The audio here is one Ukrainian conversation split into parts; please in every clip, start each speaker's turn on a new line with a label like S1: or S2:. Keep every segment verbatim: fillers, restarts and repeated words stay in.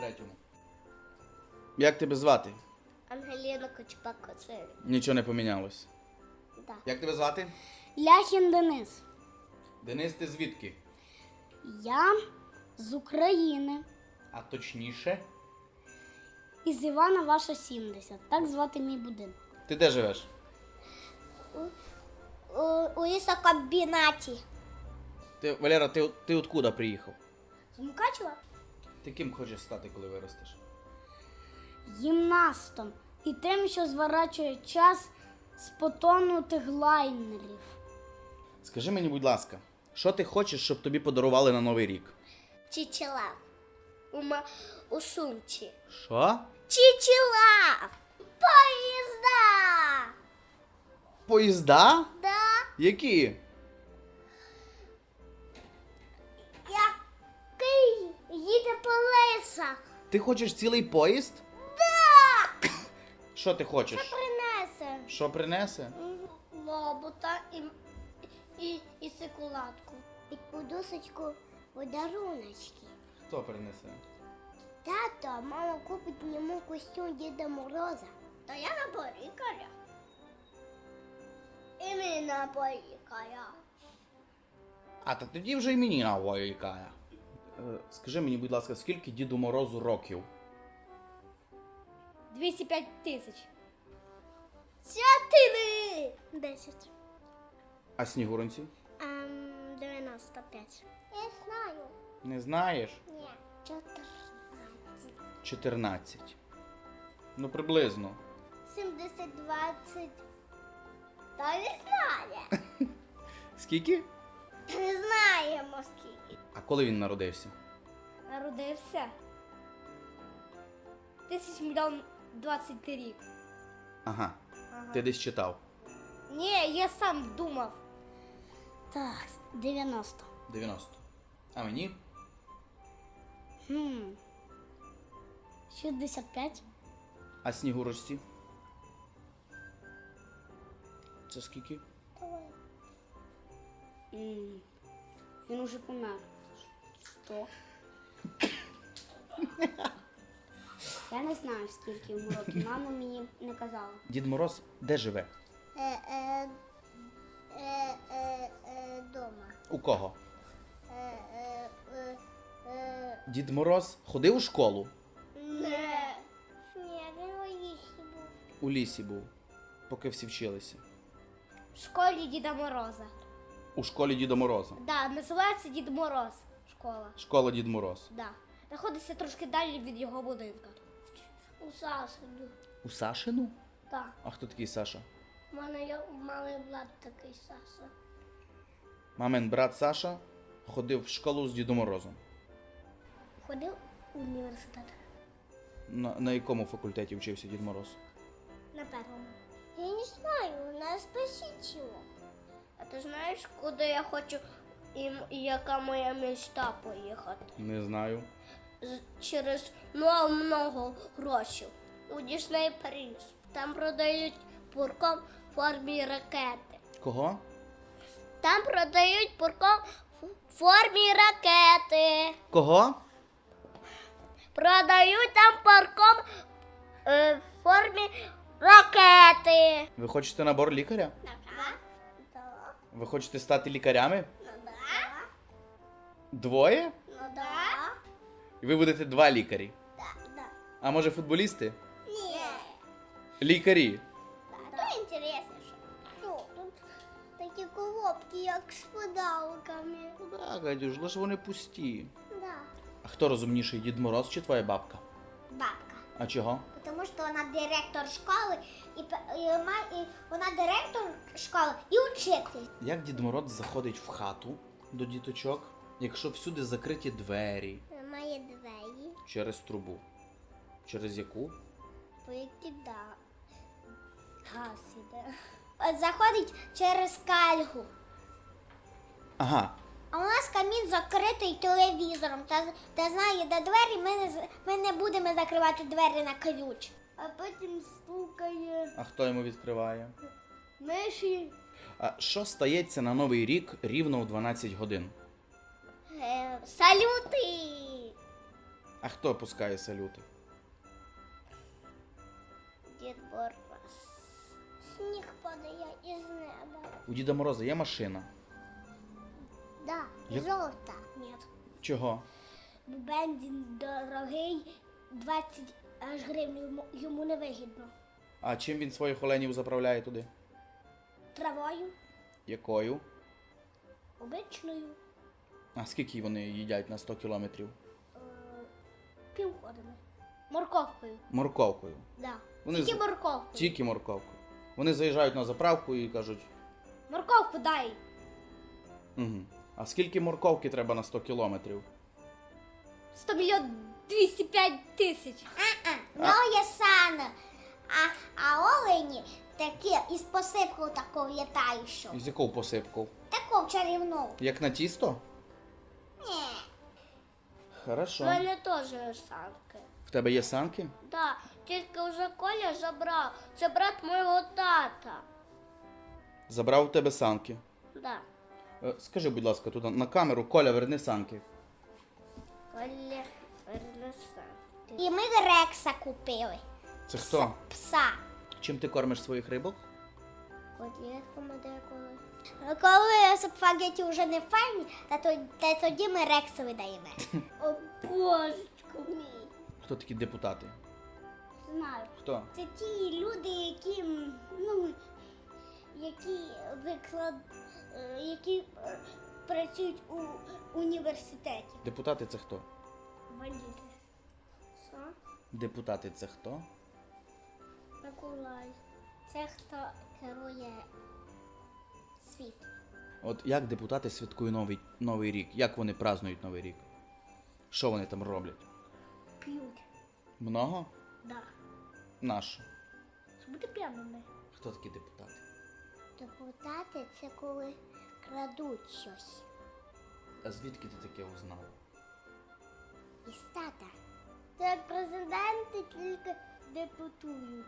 S1: третьому. Як тебе звати?
S2: Ангеліна Кочпак-Коцеві.
S1: Нічого не помінялось.
S2: Да.
S1: Як тебе звати?
S3: Ляхін Денис.
S1: Денис, ти звідки?
S3: Я з України.
S1: А точніше?
S3: Із Івана Ваша сімдесят. Так звати мій будинок.
S1: Ти де живеш?
S2: У, у лісокомбінаті.
S1: Ти, Валера, ти, ти откуда приїхав?
S2: З Мукачева?
S1: Ти ким хочеш стати, коли виростеш?
S3: Гімнастом. І тим, що зворачує час з потонутих лайнерів.
S1: Скажи мені, будь ласка, що ти хочеш, щоб тобі подарували на Новий рік?
S2: Чичила. У, ма... у сумці.
S1: Що?
S2: Чичила! Поїзда!
S1: Поїзда?
S2: Да?
S1: Які?
S2: Який їде по лесах.
S1: Ти хочеш цілий поїзд?
S2: Да!
S1: Що ти хочеш?
S2: Принесе.
S1: Що принесе?
S2: Лобота і, і, і секуладку. І подушечку подаруночки.
S1: Хто принесе?
S2: Тато, мама купить йому костюм Діда Мороза. Та я на порікаря. І ми на порікаря.
S1: А, та тоді вже і мені навоїкає. Е, скажи мені, будь ласка, скільки Діду Морозу років?
S3: двісті п'ять тисяч.
S2: Чотири! Десять.
S1: А Снігуронці?
S2: Ем, дев'яносто п'ять. Я знаю.
S1: Не знаєш?
S2: Ні. Чотирнадцять.
S1: чотирнадцять. Ну, приблизно.
S2: Сімдесят, двадцять. Та не знає.
S1: Скільки?
S2: Та не знаємо скільки.
S1: А коли він народився?
S3: Народився. Тисяч мільйон двадцять рік.
S1: Ага.
S3: Ага.
S1: Ти десь читав.
S3: Ні, я сам думав. Так, дев'яносто.
S1: дев'яносто. А мені?
S3: Хм. шістдесят п'ять.
S1: А Снігурочці? Це скільки?
S2: Давай.
S3: М, Він уже помер. Сто. Я не знаю, скільки йому років. Мама мені не казала.
S1: Дід Мороз де живе?
S2: Е, е, е, е, е, дома.
S1: У кого?
S2: Е, е, е, е.
S1: Дід Мороз ходив у школу?
S2: Не. Ні, він у лісі був.
S1: У лісі був, поки всі вчилися.
S3: В школі Діда Мороза.
S1: У школі Діда Мороза.
S3: Да, називається Дід Мороз. Школа.
S1: Школа Дід Мороз.
S3: Да. Знаходиться трошки далі від його будинка.
S2: У Сасиду.
S1: У Сашину?
S2: Так.
S1: А хто такий Саша?
S2: У мене є у мами брат такий Саша.
S1: Мамин брат Саша ходив в школу з Дідом Морозом.
S2: Ходив у університет.
S1: На, на якому факультеті вчився Дід Мороз?
S2: На першому. Я не знаю, нас посічило. А ти знаєш, куди я хочу і, і яка моя мечта поїхати?
S1: Не знаю.
S2: З- через много-много грошей. У Дісней Париж. Там продають пурком в формі ракети.
S1: Кого?
S2: Там продають пурком в формі ракети.
S1: Кого?
S2: Продають там парком е, в формі ракети.
S1: Ви хочете набор лікаря?
S2: Так. Так.
S1: Ви хочете стати лікарями?
S2: Ну да.
S1: Двоє?
S2: Ну да.
S1: І ви будете два лікарі.
S2: Так, да.
S1: А може футболісти?
S2: Ні.
S1: Лікарі.
S2: То інтересніше. Ну, тут такі коробки, як з подарунками.
S1: Так, Гадюш, лише вони пусті.
S2: Да.
S1: А хто розумніший, Дід Мороз чи твоя бабка?
S2: Бабка.
S1: А чого?
S2: Тому що вона директор школи, і, пе- і, ма- і вона директор школи і учитель.
S1: Як Дід Мороз заходить в хату до діточок, якщо всюди закриті двері
S2: Має двері,
S1: через трубу? Через яку?
S2: по які да. Газ іде. Заходить через кальгу.
S1: Ага.
S2: А у нас камін закритий телевізором. Та, та знає, де двері, ми не, з- ми не будемо закривати двері на ключ. А потім стукає
S1: А хто йому відкриває?
S2: миші.
S1: А що стається на Новий рік рівно в дванадцять годин?
S2: Е, салюти!
S1: А хто пускає салюти?
S2: Дід Мороз. Сніг падає із неба.
S1: У Діда Мороза є машина?
S2: Да,
S1: Як-
S2: жовта. Ні.
S1: Чого?
S3: Бо бензин дорогий, двадцять аж гривень йому, йому не вигідно.
S1: А чим він своїх оленів заправляє туди?
S3: Травою,
S1: Якою?
S3: обичною,
S1: А скільки вони їдять на сто кілометрів?
S3: е, півходами. Морковкою.
S1: Морковкою.
S3: Да.
S1: Вони
S3: Тільки
S1: з-
S3: морковкою.
S1: Тільки морковкою. Вони заїжджають на заправку і кажуть,
S3: Морковку дай.
S1: угу. А скільки морковки треба на сто кілометрів?
S3: сто мільйон двісті п'ять тисяч.
S2: Ну, є сана. А, а олені такі із посипкою такою літаючу.
S1: З яку посипку?
S2: Таку чарівну.
S1: Як на тісто?
S2: Ні.
S3: У
S1: Хорошо.
S3: мене теж санки.
S1: В тебе є санки?
S3: Да, тільки вже Коля забрав. Це брат мого тата.
S1: Забрав у тебе санки.
S3: Да.
S1: Е, Скажи, будь ласка, туди на камеру, Коля, верни санки.
S3: Коля верне санки.
S2: І ми Рекса купили.
S1: Це хто?
S2: Пса.
S1: Чим ти кормиш своїх рибок?
S2: Котлетками деколи. Коли спагеті вже не файні, та, то, та тоді ми Рексу видаємо.
S3: О, божечко мій.
S1: Хто такі депутати?
S3: Знаю.
S1: Хто?
S3: Це ті люди, які, м, ну, які виклад, е, які е, працюють у університеті.
S1: Депутати це хто?
S3: Валіти. Що?
S1: Депутати це хто?
S3: Миколай.
S2: Це хто керує світ.
S1: От як депутати святкують новий, новий рік? Як вони празднують новий рік? Що вони там роблять?
S3: П'ють.
S1: Много?
S3: Да.
S1: Нащо?
S3: Щоб бути п'яними.
S1: Хто такі депутати?
S2: Депутати це коли крадуть щось.
S1: А звідки ти таке узнав?
S2: Із тата.
S3: Це як президенти тільки депутують.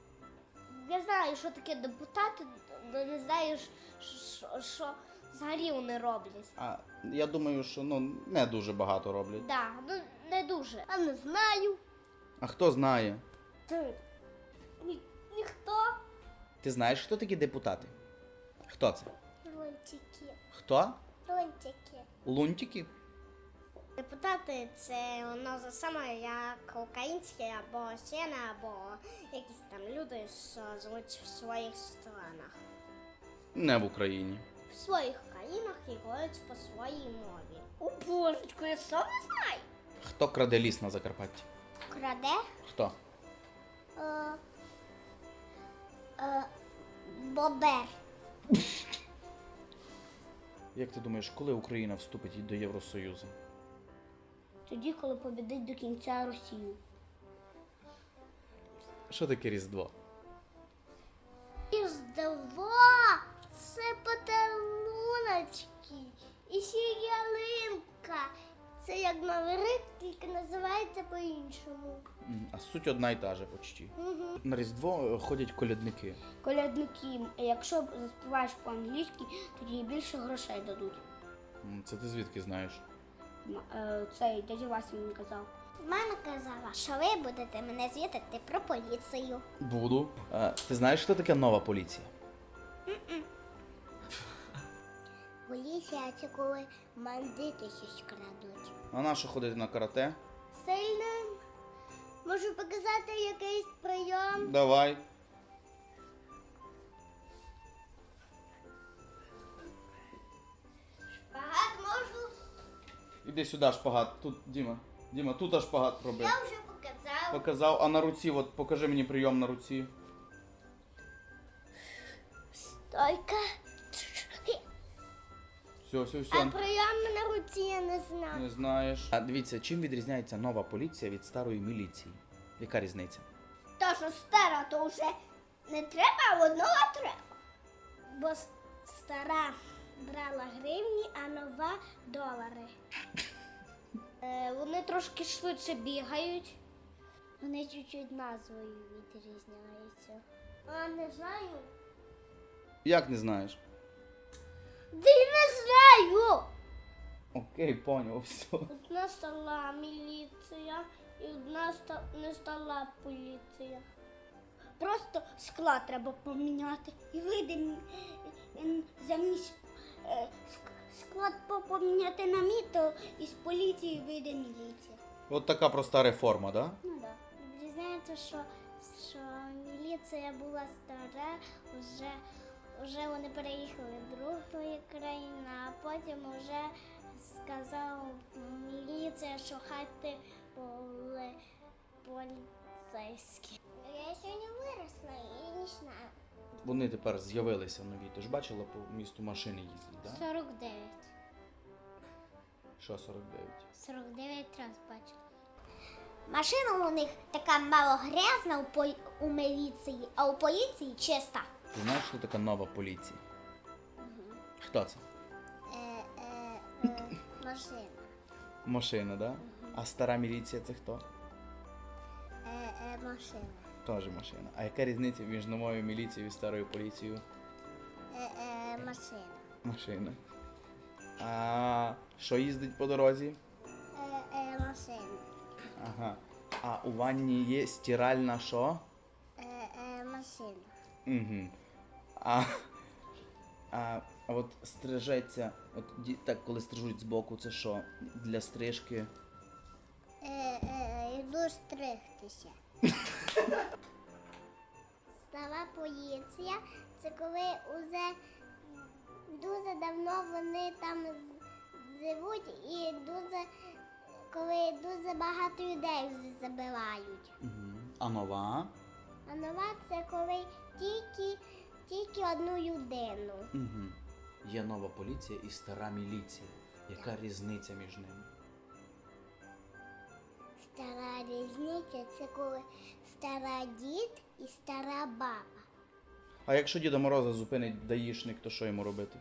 S3: Я знаю, що таке депутати, але не знаю, що, що взагалі вони роблять.
S1: А я думаю, що ну не дуже багато роблять.
S3: Да, ну не дуже. А не знаю.
S1: А хто знає?
S3: Ти. Ні, ніхто.
S1: Ти знаєш, хто такі депутати? Хто це?
S2: Лунтики.
S1: Хто?
S2: Лунтики.
S1: Лунтики?
S2: Депутати це воно за саме як українські або сіна, або якісь там люди, що живуть в своїх странах.
S1: Не в Україні.
S2: В своїх країнах і говорять по своїй мові.
S3: О, божечко, я сам не знаю.
S1: Хто краде ліс на Закарпатті?
S2: Краде?
S1: Хто?
S2: Е, е, бобер.
S1: Як ти думаєш, коли Україна вступить до Євросоюзу?
S3: Тоді, коли побідить до кінця Росію.
S1: Що таке Різдво?
S2: Різдво – це подаруночки. І ще ялинка. Це як Новий рік, тільки називається по-іншому.
S1: М, А суть одна й та же почти.
S2: Угу.
S1: На Різдво е, ходять колядники.
S3: Колядники, якщо заспіваєш по-англійськи, тоді більше грошей дадуть.
S1: М, Це ти звідки знаєш?
S3: М, е, Цей дядя Вася мені казав.
S2: Мама казала, що ви будете мене звітати про поліцію.
S1: Буду. А, ти знаєш, хто таке нова поліція?
S2: Поліція – це коли бандити щось крадуть.
S1: А на що ходити на карате?
S2: Сильним. Можу показати якийсь прийом.
S1: Давай.
S2: Багато можу.
S1: Іди сюди шпагат. Тут, Діма. Діма, тут аж шпагат роби.
S2: Я вже показав.
S1: Показав, а на руці, от покажи мені прийом на руці.
S2: Стойка.
S1: Все, все,
S2: А
S1: все.
S2: прийом на руці я не знаю.
S1: Не знаєш. А дивіться, чим відрізняється нова поліція від старої міліції? Яка різниця?
S2: Та що стара, то вже не треба, а одного треба.
S3: Бо с- стара брала гривні, а нова долари. Е, вони трошки швидше бігають.
S2: Вони чуть-чуть назвою відрізняються.
S3: А не знаю.
S1: Як не знаєш?
S3: Ти не знаю.
S1: Окей, поняв, все.
S2: Одна стала міліція і одна ста- не стала поліція.
S3: Просто склад треба поміняти. І вийде м- м, замість е, ск- склад по- поміняти на мій, то із поліції вийде міліція.
S1: От така проста реформа, да?
S3: Ну так. Дізнається, що, що міліція була стара, вже, вже вони переїхали до другої країни, а потім вже сказав міліція, що хати були поліцейські.
S2: Я сьогодні виросла, і я не знаю.
S1: Вони тепер з'явилися нові. Ти ж бачила по місту машини їздять, да?
S3: сорок дев'ять.
S1: Що сорок дев'ять?
S3: сорок дев'ять раз бачила.
S2: Машина у них така мало грязна у, по... у міліції, а у поліції чиста.
S1: Ти знаєш, що така нова поліція? Хто це?
S2: Е, е, е, машина.
S1: Машина, да? А стара міліція це хто?
S2: Е, е, машина.
S1: Теж машина. А яка різниця між новою міліцією і старою поліцією?
S2: Е, е, машина.
S1: Машина. А що їздить по дорозі?
S2: Е, е, машина.
S1: Ага. А у ванні є стиральна що?
S2: Е, е, машина.
S1: Угу. А, а, а от стрижеться, от ді- так, коли стрижуть збоку, це що? Для стрижки?
S2: Е, е, йду стригтися. Стара поліція, це коли уже дуже давно вони там з- живуть і дуже, коли дуже багато людей вже забирають.
S1: Угу. А нова?
S2: А нова це коли тільки, тільки одну людину.
S1: Угу. Є нова поліція і стара міліція. Яка різниця між ними?
S2: Стара різниця це коли стара дід і стара баба.
S1: А якщо Діда Мороза зупинить даїшник, то що йому робити?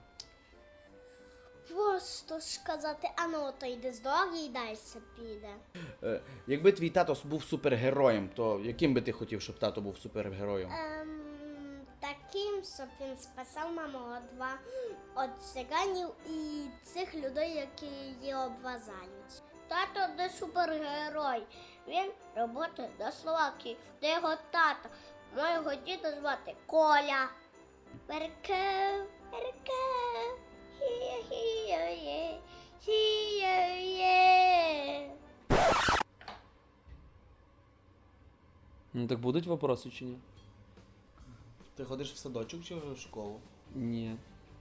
S2: Просто сказати, а ну то йди з дороги і далі піде.
S1: Е, якби твій тато був супергероєм, то яким би ти хотів, щоб тато був супергероєм?
S2: Ем, таким, щоб він спасав маму від два від циганів і цих людей, які її обвазають. Тато не супергерой. Він працює на Словакії, де його тата. Моєго діда звати Коля. Перке, перке, хі-є, хі-є.
S4: Ну так будуть вопроси чи ні?
S1: Ти ходиш в садочок чи в школу?
S4: Ні.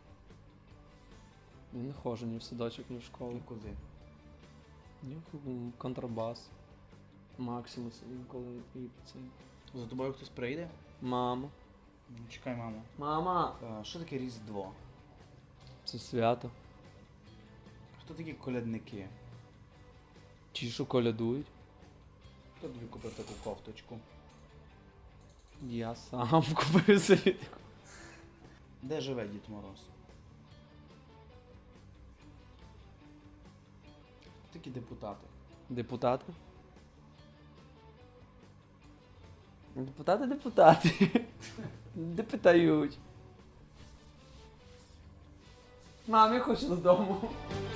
S4: Я не ходжу ні в садочок, ні в школу.
S1: Куди?
S4: Ні в контрабас. Максимус інколи і цей.
S1: За тобою хтось прийде?
S4: Мама.
S1: Ну, чекай, мамо.
S4: Мама!
S1: А, що таке Різдво?
S4: Це свято.
S1: Хто такі колядники?
S4: Ті, що колядують.
S1: Хто тобі купив таку кофточку?
S4: Я сам купив собі таку.
S1: Де живе Дід Мороз? Хто такі депутати?
S4: Депутати? Депутати, депутати. Де питають. Мам, я хочу додому.